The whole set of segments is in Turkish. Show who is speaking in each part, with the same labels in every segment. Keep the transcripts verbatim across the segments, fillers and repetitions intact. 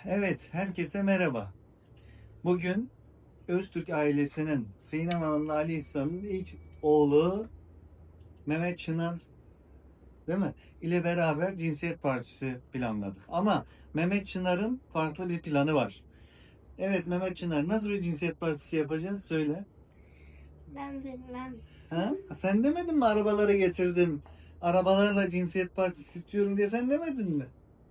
Speaker 1: Evet, herkese merhaba. Bugün Öztürk ailesinin Sinem Hanım'la Ali İhsan'ın ilk oğlu Mehmet Çınar, değil mi? ile beraber cinsiyet partisi planladık. Ama Mehmet Çınar'ın farklı bir planı var. Evet Mehmet Çınar, nasıl bir cinsiyet partisi yapacağız? Söyle.
Speaker 2: Ben bilmem.
Speaker 1: Ha? Sen demedin mi arabaları getirdim, arabalarla cinsiyet partisi istiyorum diye sen demedin mi?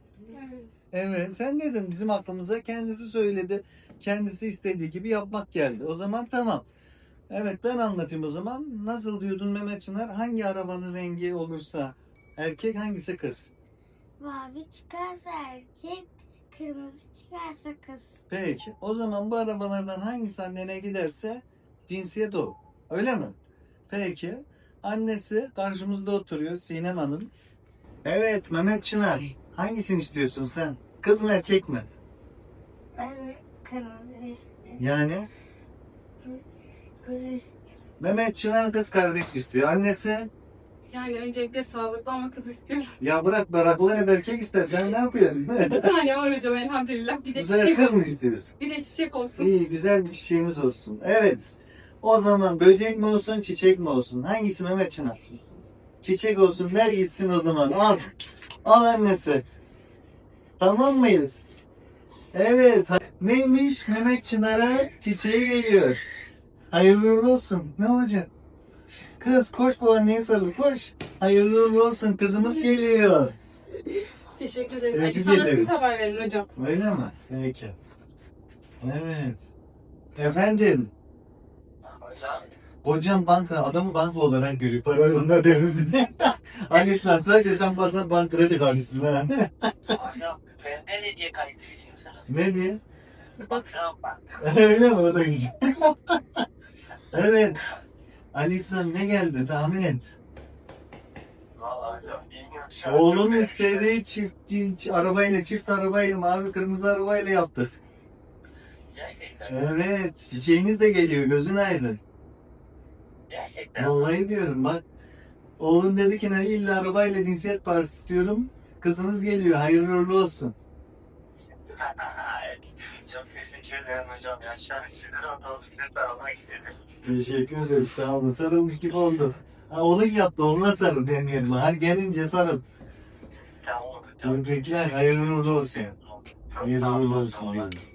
Speaker 1: Evet, sen dedin, bizim aklımıza kendisi söyledi. Kendisi istediği gibi yapmak geldi. O zaman tamam. Evet, ben anlatayım o zaman. Nasıl diyordun Mehmet Çınar? Hangi arabanın rengi olursa erkek, hangisi kız?
Speaker 2: Mavi çıkarsa erkek, kırmızı çıkarsa kız.
Speaker 1: Peki. O zaman bu arabalardan hangisi annene giderse cinsiyet o. Öyle mi? Peki. Annesi karşımızda oturuyor, Sinem Hanım. Evet Mehmet Çınar. Hangisini istiyorsun sen? Kız mı erkek mi?
Speaker 2: Ben kırmızı istiyorum.
Speaker 1: Yani
Speaker 2: Kız istiyorum.
Speaker 1: Mehmet Çınar kız kardeş istiyor. Annesi
Speaker 3: Yani öncelikle sağlıklı ama kız istiyorum.
Speaker 1: ya bırak baraklar hep erkek ister. Sen ne yapıyorsun?
Speaker 3: Bir tane var hocam elhamdülillah. Bir de
Speaker 1: Bu sefer
Speaker 3: çiçek
Speaker 1: kız mı
Speaker 3: olsun.
Speaker 1: istiyorsun?
Speaker 3: Bir de çiçek olsun.
Speaker 1: İyi güzel bir çiçeğimiz olsun. Evet. O zaman böcek mi olsun çiçek mi olsun? Hangisi Mehmet Çınar? Çiçek olsun ver gitsin o zaman. Al. Al annesi. Tamam mıyız? Evet. Neymiş? Mehmet Çınar'a çiçeği geliyor. Hayırlı uğurlu olsun. Ne olacak? Kız koş bu anneye sarıl koş. Hayırlı uğurlu olsun kızımız geliyor.
Speaker 3: Teşekkür ederim.
Speaker 1: Tebrik
Speaker 3: Hadi sana
Speaker 1: ederiz.
Speaker 3: siz haber verin hocam.
Speaker 1: Öyle mi? Peki. Evet. Efendim.
Speaker 4: Hocam,
Speaker 1: Hocam banka, adamı banka olarak görüyor. Para onlar devrimde. Hani sen sadece sen bazen bank kredi kartısın ha.
Speaker 4: hocam bende ne diye kayıt ediyorsunuz?
Speaker 1: Ne diye?
Speaker 4: Baksana bak.
Speaker 1: Öyle mi? O da güzel. Evet. Ali İhsan ne geldi tahmin et.
Speaker 4: Valla hocam bilmiyorum şu an.
Speaker 1: Oğlum
Speaker 4: çok
Speaker 1: istediği çift, çift arabayla, çift arabayla, mavi kırmızı arabayla yaptık.
Speaker 4: Gerçekten.
Speaker 1: Evet. Çiçeğiniz de geliyor. Gözün aydın.
Speaker 4: Gerçekten.
Speaker 1: Vallahi diyorum bak. Oğlun dedi ki ne illa arabayla cinsiyet partisi istiyorum. Kızınız geliyor. Hayırlı uğurlu olsun.
Speaker 4: Çok teşekkür ederim hocam. Ya şu an sizden otobüsle almak istedim.
Speaker 1: Teşekkür ederim. Sağ olun. Sarılmış gibi oldu. Ha, onun yaptı. Onunla sarıl benim yerime. Hadi gelince sarıl.
Speaker 4: Tamam hocam.
Speaker 1: Tebrikler. Hayırlı uğurlu olsun.
Speaker 4: Çok
Speaker 1: Hayırlı
Speaker 4: sağ olun
Speaker 1: uğurlu
Speaker 4: hocam.
Speaker 1: olsun. diyorum.